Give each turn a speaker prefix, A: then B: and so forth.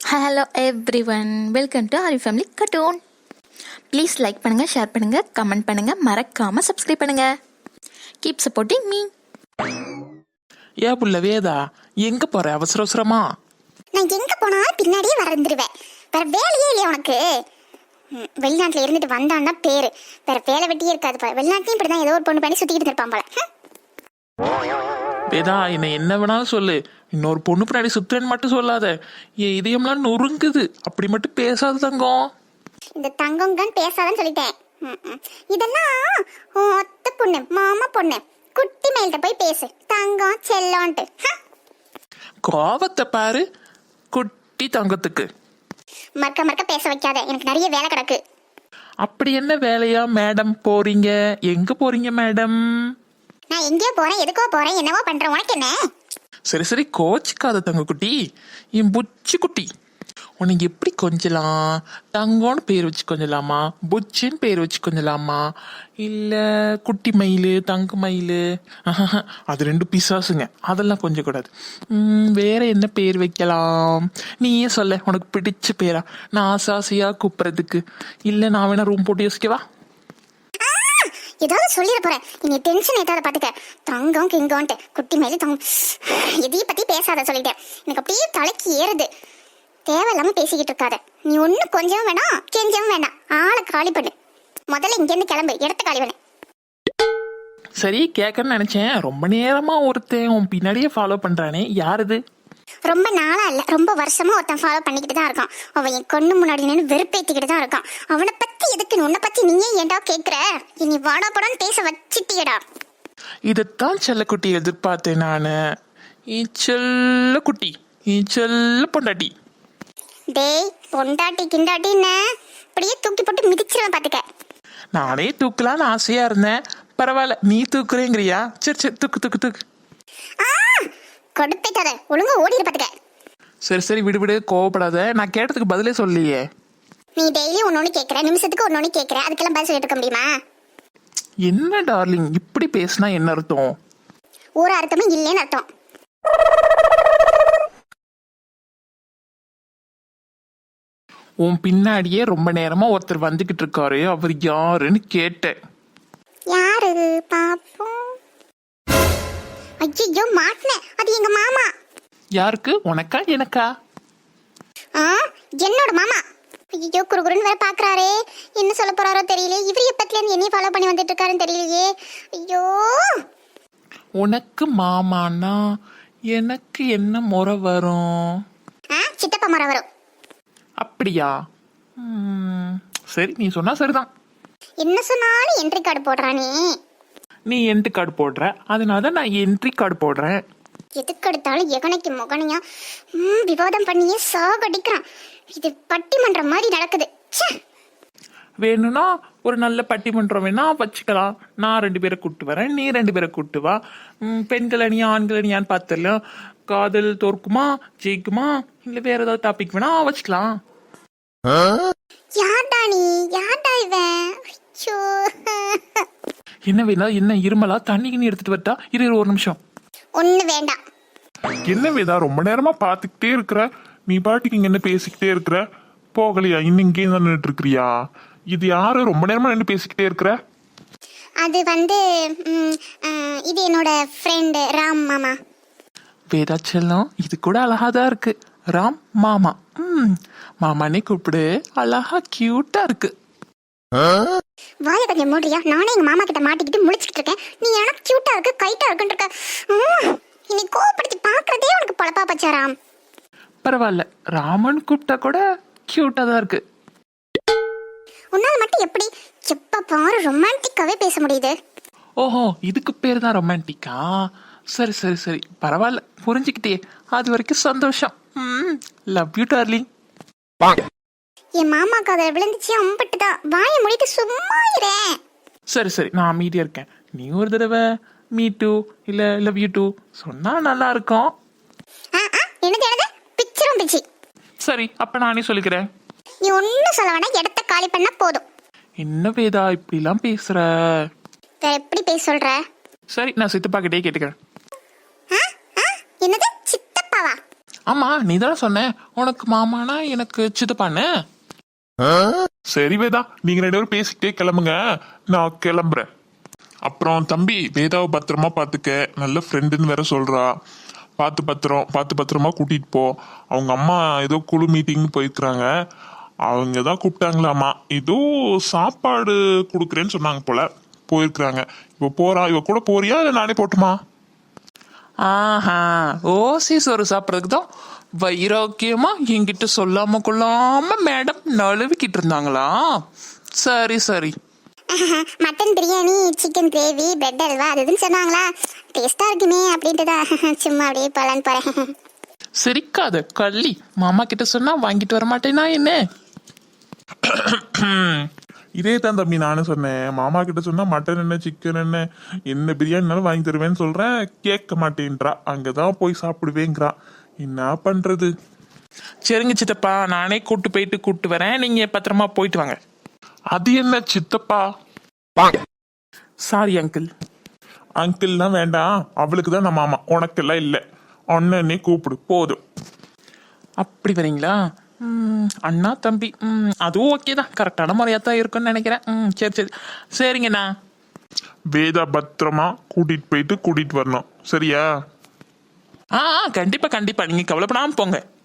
A: Hello everyone, welcome to Aari family cartoon. Please like பண்ணுங்கள், share பண்ணுங்கள், comment பண்ணுங்கள், மறக்காமல் சப்ஸ்கிரைப் பண்ணுங்கள். Keep supporting me.
B: ஏன் புள்ள வேதா, எங்க போற அவசர அவசரமா?
C: நான் எங்க போனா பின்னாடியே வந்துருவேன். வேற வேலையே இல்லையா உனக்கு? வெளிநாட்டுல இருந்துட்டு வந்தான்னா பேரு, வேற வேலை வெட்டியே இருக்காது போல. வெளிநாட்டையும் இப்படிதான் ஏதோ ஒரு பொண்ணு பண்ணி சுத்திக்கிட்டு இருப்பான் போல.
B: வேதா, என்ன வேணாலும் சொல்லு, இன்னொரு பொண்ணு பின்னாடி சுத்துறேன்னு மட்டும் சொல்லாத. என் இதயம்லாம் நொறுங்குது, அப்படி மட்டும் பேசாத தங்கம்.
C: இந்த தங்கம்தான் பேசாதன்னு சொல்லிட்டேன். இதெல்லாம் ஒத்த பொண்ணு, மாமா பொண்ணு, குட்டி மேல்கிட்ட போய் பேசு, தங்கம் செல்லோன்ட்டு.
B: கோவத்தை பாரு குட்டி தங்கத்துக்கு.
C: மறக்க மறக்க பேச வைக்காத, எனக்கு நிறைய வேலை கிடக்கு.
B: அப்படி என்ன வேலையா மேடம் போறீங்க? எங்க போறீங்க மேடம்?
C: நான் எங்கேயோ போறேன், எதுக்கோ போறேன், என்னவோ பண்றேன், உனக்கு என்ன?
B: சரி சரி, கோச்சிக்காத தங்க குட்டி, என் புச்சி குட்டி. உனக்கு எப்படி கொஞ்சலாம்? தங்கம்னு பேர் வச்சு கொஞ்சலாமா, புச்சின்னு பேர் வச்சு கொஞ்சலாமா, இல்ல குட்டி மயில், தங்க மயில்? அது ரெண்டு பிசாசுங்க, அதெல்லாம் கொஞ்சம் கூடாது. வேற என்ன பேர் வைக்கலாம்? நீயே சொல்ல, உனக்கு பிடிச்ச பேரா? நான் ஆசாசியா கூப்பிடுறதுக்கு. இல்ல நான் வேணா ரூம் போட்டு யோசிக்கவா?
C: ஏதாவது சொல்லிட போறேன், நீ டென்ஷன் ஏதாவது பாத்துக்க. தங்கம் கிங்கோன்ட்டு குட்டி மேல தங்கம், எதையும் பத்தி பேசாத சொல்லிட்டேன். எனக்கு அப்படியே தலைக்கு ஏறுது. தேவையில்லாம பேசிக்கிட்டு இருக்காத. நீ ஒன்னும் கொஞ்சம் வேணாம், கெஞ்சவும் வேணாம். ஆளை காலி பண்ணு. முதல்ல இங்க இருந்து கிளம்பு, இடத்த காலி பண்ணு.
B: சரி, கேட்கணும்னு நினைச்சேன். ரொம்ப நேரமா ஒருத்தன் உன் பின்னாடியே ஃபாலோ பண்றானே, யாருது?
C: ரொம்ப நாளா இல்ல, ரொம்ப வருஷமா ஒருத்தன் ஃபாலோ பண்ணிக்கிட்டு தான் இருக்கான். அவன் என் கண்ணு முன்னாடி நின்று வெறுப்பேத்திக்கிட்டு தான் இருக்கான். அவனை பத்தி எதுக்கு, உன்னை பத்தி நீயே ஏன்டா கேக்குற? இனி வாடா படான்னு பேச வச்சிட்டியடா.
B: இதைத்தான் செல்லக்குட்டி எதிர்பார்த்தேன் நானு. செல்ல குட்டி, செல்ல பொண்டாட்டி.
C: டேய், பொண்டாட்டி கிண்டாட்டின்னு அப்படியே தூக்கி போட்டு மிதிச்சிருவேன் பாத்துக்க.
B: நானே தூக்கலான்னு ஆசையா இருந்தேன். பரவாயில்ல, நீ தூக்குறேங்கிறியா? சரி சரி, தூக்கு தூக்கு தூக்கு.
C: கொடுப்பேட்டாத, ஒழுங்கா ஓடிடு பாத்துக்க.
B: சரி சரி, விடு விடு, கோவப்படாத. நான் கேட்டதுக்கு பதிலே சொல்லியே.
C: நீ டெய்லி ஒன்னொன்னு கேக்குற, நிமிஷத்துக்கு ஒன்னொன்னு கேக்குற, அதுக்கெல்லாம் பதில் சொல்லிட்டு இருக்க முடியுமா?
B: என்ன டார்லிங், இப்படி பேசினா என்ன அர்த்தம்?
C: ஒரு அர்த்தமும் இல்லைன்னு அர்த்தம்.
B: உன் பின்னாடியே ரொம்ப நேரமா ஒருத்தர் வந்துகிட்டு இருக்காரு, அவர் யாருன்னு கேட்டேன்.
C: யாரு பாப்போம்? ஐயோ, மாட்டினேன். அது எங்க மாமா.
B: யாருக்கு? உனக்கா எனக்கா?
C: என்னோட மாமா. ஐயோ, குறுகுறுன்னு வேற பாக்குறாரே. என்ன சொல்ல போறாரோ தெரியல. இவர் எப்பத்துல இருந்து என்னைய ஃபாலோ பண்ணி வந்துட்டு இருக்காருன்னு தெரியலையே. ஐயோ,
B: உனக்கு மாமானா எனக்கு என்ன முறை வரும்?
C: சித்தப்பா முறை வரும்.
B: அப்படியா? சரி, நீ சொன்னா சரிதான்.
C: என்ன சொன்னாலும் என்ட்ரி கார்டு போடுறானே.
B: நீ என்ட்ரி கார்டு போடுற, அதனால தான் நான் என்ட்ரி கார்டு போடுறேன்.
C: எதுக்கு எடுத்தாலும் எகனைக்கு முகனையா விவாதம் பண்ணியே சாகடிக்கிறான். இது பட்டிமன்றம் மாதிரி நடக்குது.
B: வேணும்னா ஒரு நல்ல பட்டிமன்றம் வேணா வச்சுக்கலாம். நான் 2 பேரை கூட்டு வரேன், நீ 2 பேரை கூட்டு வா. பெண்கள் அணியா ஆண்கள் அணியான்னு பார்த்துடலாம். காதல் தோற்குமா ஜெயிக்குமா, இல்ல வேற ஏதாவது டாபிக் வேணா வச்சுக்கலாம்.
C: யார்டா நீ? யார்டா இவன்?
B: என்ன வேணா? என்ன இருமலா? தண்ணிக்கு நீ எடுத்துட்டு வரட்டா? இரு ஒரு நிமிஷம்.
C: ஒண்ணு வேண்டாம்.
D: என்ன வேதா, ரொம்ப நேரமா பாத்துக்கிட்டே இருக்கிற? நீ பாட்டுக்கு இங்க என்ன பேசிக்கிட்டே இருக்கிற? போகலையா? இன்னும் இங்கே தான் நின்றுட்டு இருக்கிறியா? இது யாரு ரொம்ப நேரமா நின்று பேசிக்கிட்டே இருக்கிற?
C: அது வந்து இது என்னோட ஃப்ரெண்டு ராம் மாமா.
B: வேதா செல்லம், இது கூட அழகாதான் இருக்கு. ராம் மாமா. மாமானே கூப்பிடு, அழகா கியூட்டா இருக்கு.
C: வாய கொஞ்சம் மூடுறியா? நானே எங்க மாமா கிட்ட மாட்டிக்கிட்டு முழிச்சுக்கிட்டு இருக்கேன். நீ எனக்கு கியூட்டா இருக்கு, கைட்டா இருக்குன்னு இருக்க. நீ கோவப்படுத்தி பாக்குறதே உனக்கு பொழப்பா பச்சா ராம்.
B: பரவாயில்ல, ராமன் கூப்பிட்டா கூட கியூட்டா தான் இருக்கு.
C: உன்னால மட்டும் எப்படி எப்ப பாரு ரொமான்டிக்காவே பேச முடியுது?
B: ஓஹோ, இதுக்கு பேர் தான் ரொமான்டிக்கா? சரி சரி சரி, பரவாயில்ல, புரிஞ்சுக்கிட்டே. அது வரைக்கும் சந்தோஷம். Love you darling.
C: என் மாமா காதல விழுந்துச்சு, அம்பிட்டுதான். வாய மூடிட்டு சும்மா இரேன்.
B: சரி சரி, நான் அமைதியா இருக்கேன். நீ ஒரு தடவை மீ டூ இல்ல லவ் யூ டூ சொன்னா நல்லா இருக்கும்.
C: என்னது என்னது? பிச்சிரும் பிச்சி.
B: சரி, அப்ப நானே சொல்லிக்கிறேன்.
C: நீ ஒன்னும் சொல்ல வேணாம், இடத்த காலி பண்ணா போதும்.
B: என்ன வேதா இப்படிலாம் பேசுற?
C: வேற எப்படி பேச சொல்ற?
B: சரி, நான் சித்தப்பா கிட்டே கேட்டுக்கிறேன்.
C: என்னது சித்தப்பாவா?
B: ஆமா நீ தானே சொன்ன உனக்கு மாமானா எனக்கு சித்தப்பான்னு.
D: சரி வேதா, நீங்க 2 பேரும் பேசிக்கிட்டே கிளம்புங்க, நான் கிளம்புறேன். அப்புறம் தம்பி, வேதாவை பத்திரமா பாத்துக்க, நல்ல ஃப்ரெண்டுன்னு வேற சொல்றா. பார்த்து பத்திரமா கூட்டிட்டு போ. அவங்க அம்மா ஏதோ குழு மீட்டிங் போயிருக்கிறாங்க, அவங்க தான் கூப்பிட்டாங்களாமா. ஏதோ சாப்பாடு கொடுக்குறேன்னு சொன்னாங்க போல, போயிருக்கிறாங்க. இப்போ போறா, இவ கூட போறியா இல்லை நானே போட்டுமா?
B: ஆஹா, ஓசி சோறு சாப்பிட்றதுக்கு தான் வைராக்கியமா என்கிட்ட சொல்லாம கொள்ளாம மேடம் நழுவிக்கிட்டு இருந்தாங்களா? சரி சரி.
C: Mutton biryani, chicken gravy, bread halwa அது இதுன்னு சொன்னாங்களா, டேஸ்டா இருக்குமே அப்படின்ட்டு தான் சும்மா அப்படியே போலான்னு போறேன்.
B: சிரிக்காத கள்ளி, மாமா கிட்ட சொன்னா வாங்கிட்டு வர மாட்டேனா என்ன?
D: இதே தான் தம்பி நானும் சொன்னேன். மாமா கிட்ட சொன்னா மட்டன் என்ன சிக்கன் என்ன பிரியாணினாலும் வாங்கி தருவேன்னு சொல்றேன், கேட்க மாட்டேன்றா. அங்கதான் போய் சாப்பிடுவேங்கிறா. என்ன பண்றது?
B: சரிங்க சித்தப்பா, நானே கூட்டு வரேன், நீங்க பத்திரமா போயிட்டு வாங்க.
D: அது என்ன சித்தப்பா?
B: Sorry uncle.
D: அங்கிள்லாம் வேண்டாம், அவளுக்கு தான் நான் மாமா, உனக்கெல்லாம் இல்லை. அண்ணனே கூப்பிடு போதும்.
B: அப்படி வரீங்களா? அண்ணா தம்பி, அதுவும் ஓகே தான், கரெக்டான முறையாக தான் இருக்குன்னு நினைக்கிறேன். சரி சரி சரிங்கண்ணா.
D: வேதா பத்திரமா கூட்டிட்டு போயிட்டு கூட்டிட்டு வரணும், சரியா?
B: கண்டிப்பா கண்டிப்பா, நீங்க கவலைப்படாம போங்க.